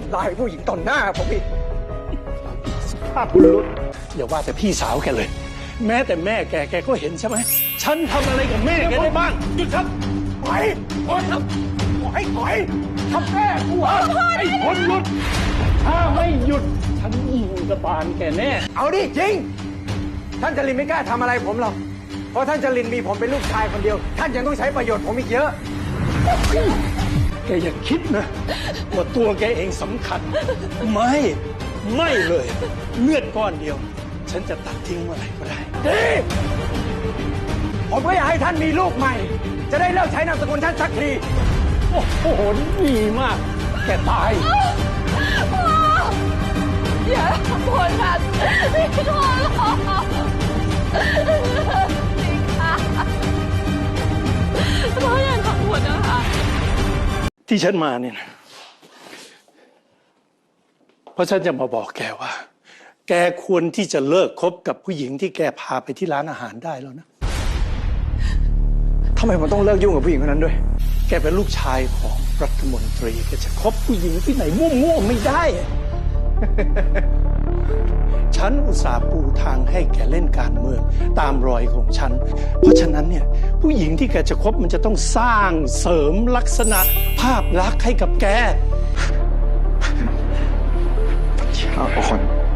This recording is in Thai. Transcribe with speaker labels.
Speaker 1: ำลายผู้หญิงต่อหน้าผมอีก
Speaker 2: ภาพบุรุษอย่าว่าแต่พี่สาวแกเลย แม้แต่แม่แกก็เห็นใช่ไหมฉันทำอะไรกับแม่แกได้บ้างหยุดครับปล่อยครับปล่อยทำแม่กูเหรอไอ้คนหยุดถ้าไม่หยุดฉันยิงกระบาลแกแน่
Speaker 1: เอาดิจริงท่านจรินไม่กล้าทำอะไรผมหรอกเพราะท่านจรินมีผมเป็นลูกชายคนเดียวท่านยังต้องใช้ประโยชน์ผมอีกเยอะ
Speaker 2: แกอย่าคิดนะว่าตัวแกเองสำคัญไม่เลยเลือดก้อนเดียวฉันจะตัดทิ้งเมื่อไหร่ก็ได้
Speaker 1: ดีผมก็อยากให้ท่านมีลูกใหม่ จะได้เลิกใช้นามสกุลท่านสักที
Speaker 2: โอ้โหดีมากแกตาย
Speaker 3: อย่าทำคนแบบนี้ขอร้องพ่ออย่าทำคนนะคะ
Speaker 2: ที่ฉันมาเนี่ยนะเพราะฉันจะมาบอกแกว่า แกควรที่จะเลิกคบกับผู้หญิงที่แกพาไปที่ร้านอาหารได้แล้วนะ
Speaker 1: ทำไมผมต้องเลิกยุ่งกับผู้หญิงคนนั้นด้วย
Speaker 2: แกเป็นลูกชายของรัฐมนตรีแกจะคบผู้หญิงที่ไหนมั่วๆไม่ได้ ฉันอุตส่าห์ปูทางให้แกเล่นการเมืองตามรอยของฉัน เพราะฉะนั้นเนี่ยผู้หญิงที่แกจะคบมันจะต้องสร้างเสริมลักษณะภาพลักษณ์ให้กับแก
Speaker 1: เอาคน